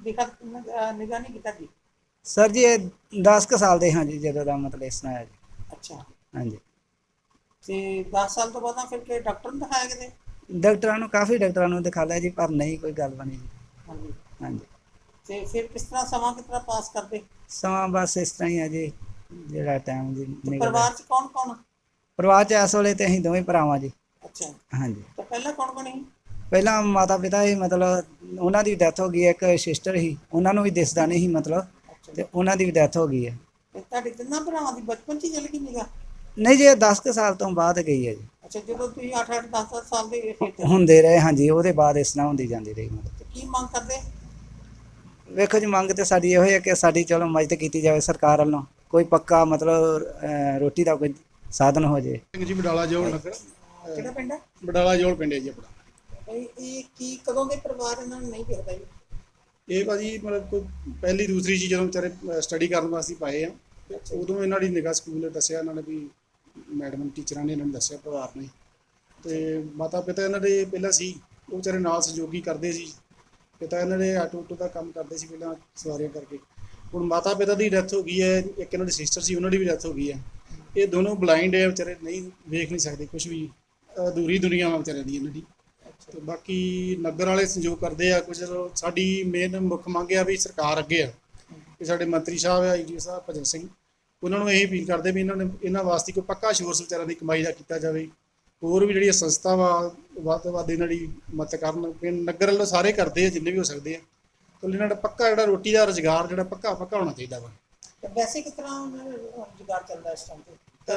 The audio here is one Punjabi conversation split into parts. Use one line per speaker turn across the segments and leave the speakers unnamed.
ਦਿਖਾ ਨਿਗਾਹ ਨਹੀਂ ਕੀਤਾ ਜੀ।
ਸਰ ਜੀ ਇਹ 10 ਕੁ ਸਾਲ ਦੇ ਹਾਂ ਜੀ ਜਦੋਂ ਦਾ ਮਤਲਬ ਇਸ ਤਰ੍ਹਾਂ ਹੈ ਜੀ।
ਅੱਛਾ,
ਹਾਂਜੀ,
ਤੇ 10 ਸਾਲ ਤੋਂ ਬਾਅਦ ਫਿਰ ਕਿ ਡਾਕਟਰ ਨੂੰ ਦਿਖਾਇਆ ਕਿਤੇ?
ਡਾਕਟਰਾਂ ਨੂੰ ਕਾਫੀ ਡਾਕਟਰਾਂ ਨੂੰ ਦਿਖਾ ਲਿਆ ਜੀ, ਪਰ ਨਹੀਂ ਕੋਈ ਗੱਲ ਬਣੀ ਜੀ।
ਹਾਂਜੀ,
ਹਾਂਜੀ,
ਤੇ ਫਿਰ ਕਿਸ ਤਰ੍ਹਾਂ ਸਮਾਂ ਕਿਸ ਤਰ੍ਹਾਂ ਪਾਸ ਕਰਦੇ?
ਸਮਾਂ ਬਸ ਇਸ ਤਰ੍ਹਾਂ ਹੀ ਹੈ ਜੀ, ਜਿਹੜਾ ਟਾਈਮ ਜੀ
ਤੇ
ਨਿਕਲਦਾ।
ਪਰਿਵਾਰ 'ਚ ਕੌਣ ਕੌਣ?
ਪਰਿਵਾਰ 'ਚ ਇਸ ਵੇਲੇ ਤੇ ਅਸੀਂ ਦੋਵੇਂ ਭਰਾਵਾਂ ਜੀ।
ਅੱਛਾ,
ਹਾਂਜੀ,
ਤਾਂ ਪਹਿਲਾਂ ਕੌਣ ਕੌਣ ਸੀ?
ਪਹਿਲਾਂ ਮਾਤਾ ਪਿਤਾ ਹੀ ਮਤਲਬ ਉਹਨਾਂ ਦੀ ਡੈਥ ਹੋ ਗਈ ਹੈ, ਇੱਕ ਸਿਸਟਰ ਸੀ, ਉਹਨਾਂ ਨੂੰ ਵੀ ਦਿਸਦਾ ਨਹੀਂ ਸੀ ਮਤਲਬ,
ਅੱਛਾ,
ਤੇ ਉਹਨਾਂ ਦੀ ਵੀ ਡੈਥ ਹੋ ਗਈ ਹੈ।
ਤੇ ਤੁਹਾਡੇ ਤਿੰਨਾਂ ਭਰਾਵਾਂ ਦੀ ਬਚਪਨ 'ਚ ਹੀ ਚਲ ਗਈ ਨਿਗਾਹ?
ਨਹੀਂ ਜੀ, ਇਹ 10 ਕੁ ਸਾਲ ਤੋਂ ਬਾਅਦ ਗਈ ਹੈ ਜੀ।
ਅੱਛਾ, ਜਦੋਂ ਤੁਸੀਂ 8-8 10-10 ਸਾਲ ਦੇ ਫਿਰ ਚਲੀ ਗਈ।
ਹੁੰਦੇ ਰਹੇ ਹਾਂਜੀ, ਉਹਦੇ ਬਾਅਦ ਇਸ ਤਰ੍ਹਾਂ ਹੁੰਦੀ ਜਾਂਦੀ ਰਹੀ ਮਤਲਬ।
ਤੇ ਕੀ ਮੰਗ ਕਰਦੇ?
ਵੇਖੋ ਜੀ, ਮੰਗ ਤੇ ਸਾਡੀ ਇਹੋ ਹੈ ਕਿ ਸਾਡੀ ਚਲੋ ਮਦਦ ਕੀਤੀ ਜਾਵੇ ਸਰਕਾਰ ਵੱਲੋਂ, ਕੋਈ ਪੱਕਾ ਮਤਲਬ ਰੋਟੀ ਦਾ ਕੋਈ ਸਾਧਨ ਹੋ ਜਾਏ।
ਸਿੰਘ ਜੀ ਬਡਾਲਾ ਜੋਲ ਨਗਰ।
ਕਿਹੜਾ ਪਿੰਡ ਹੈ?
ਬਡਾਲਾ ਜੋਲ ਪਿੰਡ ਹੈ ਜੀ ਆਪਣਾ।
ਇਹ ਕੀ ਕਦੋਂ ਦੇ ਪਰਿਵਾਰ ਇਹਨਾਂ ਨੂੰ ਨਹੀਂ ਦਿਖਦਾ ਜੀ?
ਇਹ ਭਾਜੀ ਮਤਲਬ ਕੋਈ ਪਹਿਲੀ ਦੂਸਰੀ ਚੀਜ਼ ਜਦੋਂ ਵਿਚਾਰੇ ਸਟੱਡੀ ਕਰਨ ਵਾਸਤੇ ਪਾਏ ਆ, ਉਦੋਂ ਇਹਨਾਂ ਦੀ ਨਿਗਾਹ ਸਕੂਲ ਦੱਸਿਆ ਇਹਨਾਂ ਨੇ ਵੀ, ਮੈਡਮ ਟੀਚਰਾਂ ਨੇ ਇਹਨਾਂ ਨੂੰ ਦੱਸਿਆ ਪਰਿਵਾਰ ਨੇ। ਤੇ ਮਾਤਾ ਪਿਤਾ ਇਹਨਾਂ ਦੇ ਪਹਿਲਾਂ ਸੀ, ਉਹ ਵਿਚਾਰੇ ਨਾਲ ਸਹਿਯੋਗੀ ਕਰਦੇ ਸੀ। ਪਿਤਾ ਇਹਨਾਂ ਦੇ ਆਟੋ ਦਾ ਕੰਮ ਕਰਦੇ ਸੀ ਪਹਿਲਾਂ ਸਵਾਰੀਆਂ ਕਰਕੇ। ਹੁਣ ਮਾਤਾ ਪਿਤਾ ਦੀ ਡੈਥ ਹੋ ਗਈ ਹੈ, ਇੱਕ ਇਹਨਾਂ ਦੀ ਸਿਸਟਰ ਸੀ, ਉਹਨਾਂ ਦੀ ਵੀ ਡੈਥ ਹੋ ਗਈ ਹੈ। ਇਹ ਦੋਨੋਂ ਬਲਾਈਂਡ ਹੈ ਵਿਚਾਰੇ, ਨਹੀਂ ਵੇਖ ਨਹੀਂ ਸਕਦੇ ਕੁਝ ਵੀ, ਅਧੂਰੀ ਦੁਨੀਆ ਵਾ ਵਿਚਾਰਿਆਂ ਦੀ ਇਹਨਾਂ ਦੀ। ਤੇ ਬਾਕੀ ਨਗਰ ਵਾਲੇ ਸਹਿਯੋਗ ਕਰਦੇ ਆ ਕੁਝ। ਸਾਡੀ ਮੇਨ ਮੁੱਖ ਮੰਗ ਆ ਵੀ ਸਰਕਾਰ ਅੱਗੇ ਆ ਕਿ ਸਾਡੇ ਮੰਤਰੀ ਸਾਹਿਬ ਆ ਜੀ ਸਾਹਿਬ ਭਜਨ ਸਿੰਘ, ਉਹਨਾਂ ਨੂੰ ਇਹ ਅਪੀਲ ਕਰਦੇ ਵੀ ਇਹਨਾਂ ਵਾਸਤੇ ਕੋਈ ਪੱਕਾ ਸੋਰਸ ਵਿਚਾਰਿਆਂ ਦੀ ਕਮਾਈ ਦਾ ਕੀਤਾ ਜਾਵੇ। ਹੋਰ ਵੀ ਜਿਹੜੀਆਂ ਸੰਸਥਾ ਵਾ ਵੱਧ ਤੋਂ ਵੱਧ ਇਹਨਾਂ ਦੀ ਮਦਦ ਕਰਨ। ਨਗਰ ਵੱਲੋਂ ਸਾਰੇ ਕਰਦੇ ਆ ਜਿੰਨੇ ਵੀ ਹੋ ਸਕਦੇ ਆ, ਤਾਂ ਇਹਨਾਂ ਦਾ ਪੱਕਾ ਜਿਹੜਾ ਰੋਟੀ ਦਾ ਰੁਜ਼ਗਾਰ ਜਿਹੜਾ ਪੱਕਾ ਹੋਣਾ ਚਾਹੀਦਾ ਵਾ।
ਵੈਸੇ ਕਿਸ ਤਰ੍ਹਾਂ ਰੁਜ਼ਗਾਰ ਚੱਲਦਾ ਇਸ ਟਾਈਮ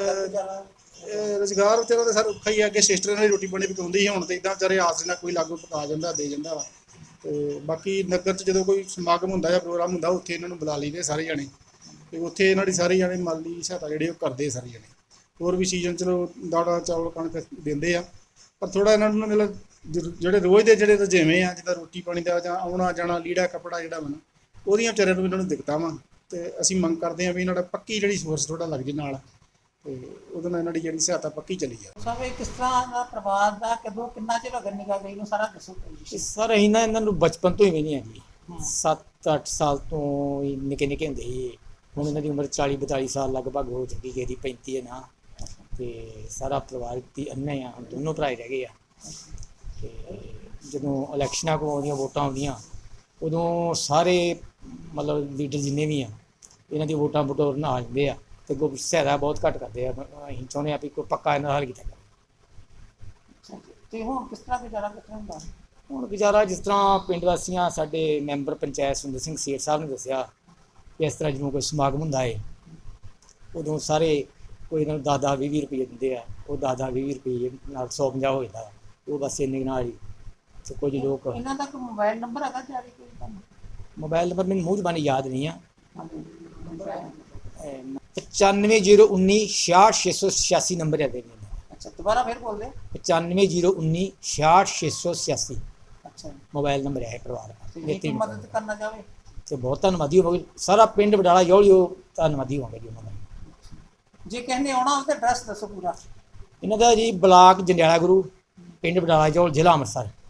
ਤੇ?
ਰੁਜ਼ਗਾਰ ਵਿਚਾਰਾ ਤਾਂ ਸਰ ਔਖਾ ਹੀ ਆ। ਅੱਗੇ ਸਿਸਟਰ ਇਹਨਾਂ ਦੀ ਰੋਟੀ ਪਾਣੀ ਪਕਾਉਂਦੀ ਸੀ, ਹੁਣ ਤਾਂ ਇੱਦਾਂ ਵਿਚਾਰੇ ਆਸ ਨਾਲ ਕੋਈ ਲਾਗੂ ਪਕਾ ਜਾਂਦਾ ਦੇ ਜਾਂਦਾ ਵਾ। ਤੇ ਬਾਕੀ ਨਗਰ 'ਚ ਜਦੋਂ ਕੋਈ ਸਮਾਗਮ ਹੁੰਦਾ ਜਾਂ ਪ੍ਰੋਗਰਾਮ ਹੁੰਦਾ, ਉੱਥੇ ਇਹਨਾਂ ਨੂੰ ਬੁਲਾ ਲਈਦੇ ਸਾਰੇ ਜਾਣੇ, ਤੇ ਉੱਥੇ ਇਹਨਾਂ ਦੀ ਸਾਰੀ ਜਾਣੇ ਮਾਲੀ ਸਹਾਇਤਾ ਜਿਹੜੀ ਉਹ ਕਰਦੇ ਸਾਰੇ ਜਾਣੇ। ਹੋਰ ਵੀ ਸੀਜ਼ਨ ਚਲੋ ਦਾਣਾ ਚਾਵਲ ਕਣਕ ਦਿੰਦੇ ਆ, ਪਰ ਥੋੜ੍ਹਾ ਇਹਨਾਂ ਨੂੰ ਮਤਲਬ ਜਿਹੜੇ ਰੋਜ਼ ਦੇ ਜਿਹੜੇ ਰੁਝੇਵੇਂ ਆ, ਜਿੱਦਾਂ ਰੋਟੀ ਪਾਣੀ ਦਾ ਜਾਂ ਆਉਣਾ ਜਾਣਾ ਲੀੜਾ ਕੱਪੜਾ ਜਿਹੜਾ ਵਾ ਨਾ, ਉਹਦੀਆਂ ਵਿਚਾਰਿਆਂ ਨੂੰ ਇਹਨਾਂ ਨੂੰ ਦਿੱਕਤਾਂ ਵਾ। ਤੇ ਅਸੀਂ ਮੰਗ ਕਰਦੇ ਹਾਂ ਵੀ ਇਹਨਾਂ ਦਾ ਪੱਕੀ ਜਿਹੜੀ ਸੋਰਸ ਥੋੜ੍ਹਾ ਲੱਗ ਜੇ ਨਾਲ, ਤੇ ਉਹਦੇ ਨਾਲ ਇਹਨਾਂ ਦੀ ਜਿਹੜੀ ਸਹਾਇਤਾ ਪੱਕੀ ਚਲੀ ਜਾਵੇ।
ਸਭ ਇਹ ਕਿਸ ਤਰ੍ਹਾਂ ਦਾ ਪਰਿਵਾਰ ਦਾ ਕਦੋਂ ਕਿੰਨਾ ਚਿਰ ਹੋ ਗਿਆ ਨਿਗਾਹ ਗਈ ਨੂੰ, ਸਾਰਾ ਦੱਸੋ ਜੀ।
ਸਰ ਅਸੀਂ ਨਾ ਇਹਨਾਂ ਨੂੰ ਬਚਪਨ ਤੋਂ ਹੀ ਨਹੀਂ ਆ ਜੀ, 7-8 ਸਾਲ ਤੋਂ ਹੀ ਨਿੱਕੇ ਨਿੱਕੇ ਹੁੰਦੇ ਸੀ। ਹੁਣ ਇਹਨਾਂ ਦੀ ਉਮਰ 40-42 ਸਾਲ ਲਗਭਗ ਹੋ ਚੁੱਕੀ, ਗਈ ਦੀ 35 ਹੈ ਨਾ। ਤੇ ਸਾਰਾ ਪਰਿਵਾਰ ਦੀ ਅੰਨੇ ਆ, ਹੁਣ ਦੋਨੋਂ ਭਰਾ ਰਹਿ ਗਏ ਆ। ਤੇ ਜਦੋਂ ਇਲੈਕਸ਼ਨਾਂ ਕੋਲ ਆਉਂਦੀਆਂ, ਵੋਟਾਂ ਆਉਂਦੀਆਂ, ਉਦੋਂ ਸਾਰੇ ਮਤਲਬ ਲੀਡਰ ਜਿੰਨੇ ਵੀ ਆ ਇਹਨਾਂ ਦੀ ਵੋਟਾਂ ਬਟੋਰਨ ਆ ਜਾਂਦੇ ਆ, ਤੇ ਕੋਈ ਸਹਾਇਤਾ ਬਹੁਤ ਘੱਟ ਕਰਦੇ ਆ। ਅਸੀਂ ਚਾਹੁੰਦੇ ਹਾਂ ਵੀ ਕੋਈ ਪੱਕਾ ਇਹਨਾਂ ਦਾ ਹੱਲ ਕੀਤਾ ਜਾਵੇ।
ਤੇ ਹੁਣ ਕਿਸ ਤਰ੍ਹਾਂ ਗੁਜ਼ਾਰਾ ਕਿਸ ਤਰ੍ਹਾਂ ਹੁੰਦਾ?
ਹੁਣ ਗੁਜ਼ਾਰਾ ਜਿਸ ਤਰ੍ਹਾਂ ਪਿੰਡ ਵਾਸੀਆਂ, ਸਾਡੇ ਮੈਂਬਰ ਪੰਚਾਇਤ ਸੁੰਦਰ ਸਿੰਘ ਸੇਠ ਸਾਹਿਬ ਨੇ ਦੱਸਿਆ ਕਿ ਇਸ ਤਰ੍ਹਾਂ ਜਦੋਂ ਕੋਈ ਸਮਾਗਮ ਹੁੰਦਾ ਹੈ, ਉਦੋਂ ਸਾਰੇ ਕੋਈ ਇਹਨਾਂ ਨੂੰ 10-20 ਰੁਪਏ ਦਿੰਦੇ ਆ। ਉਹ 10-20 ਰੁਪਏ ਨਾਲ 150 ਹੋ ਜਾਂਦਾ, ਉਹ ਬਸ ਇੰਨੇ ਨਾਲ ਹੀ। ਤੇ ਕੁਝ ਲੋਕ
ਇਹਨਾਂ ਦਾ ਕੋਈ ਮੋਬਾਈਲ ਨੰਬਰ ਹੈਗਾ ਜਾਰੀ ਕੋਈ ਤੁਹਾਨੂੰ?
ਮੋਬਾਈਲ ਨੰਬਰ ਮੈਨੂੰ ਮੂੰਹ ਜ਼ਬਾਨੀ ਯਾਦ ਨਹੀਂ ਆ।
ਨੰਬਰ ਹੈ?
9501966686 ਨੰਬਰ ਹੈ ਦੇ।
ਅੱਛਾ, ਦੁਬਾਰਾ ਫਿਰ ਬੋਲ ਦੇ।
9501966686
ਅੱਛਾ,
ਮੋਬਾਈਲ ਨੰਬਰ ਹੈ ਪਰਿਵਾਰ ਦਾ।
ਜੇ ਮਦਦ ਕਰਨਾ ਚਾਹਵੇ
ਤੇ ਬਹੁਤ ਧੰਨਵਾਦੀ ਹੋਵਾਂਗੇ, ਸਾਰਾ ਪਿੰਡ ਬਡਾਲਾ ਜੋਲ ਉਹ ਧੰਨਵਾਦੀ ਹੋਵਾਂਗੇ ਜੀ ਉਹਨਾਂ ਦਾ।
ਜੇ ਕਹਿੰਦੇ ਆਉਣਾ ਉਹਦਾ ਐਡਰੈਸ ਦੱਸੋ ਪੂਰਾ।
ਇਹਨਾਂ ਦਾ ਜੀ ਬਲਾਕ ਜੰਡਿਆਲਾ ਗੁਰੂ, ਪਿੰਡ ਬਡਾਲਾ ਜੋਲ, ਜ਼ਿਲ੍ਹਾ ਅੰਮ੍ਰਿਤਸਰ।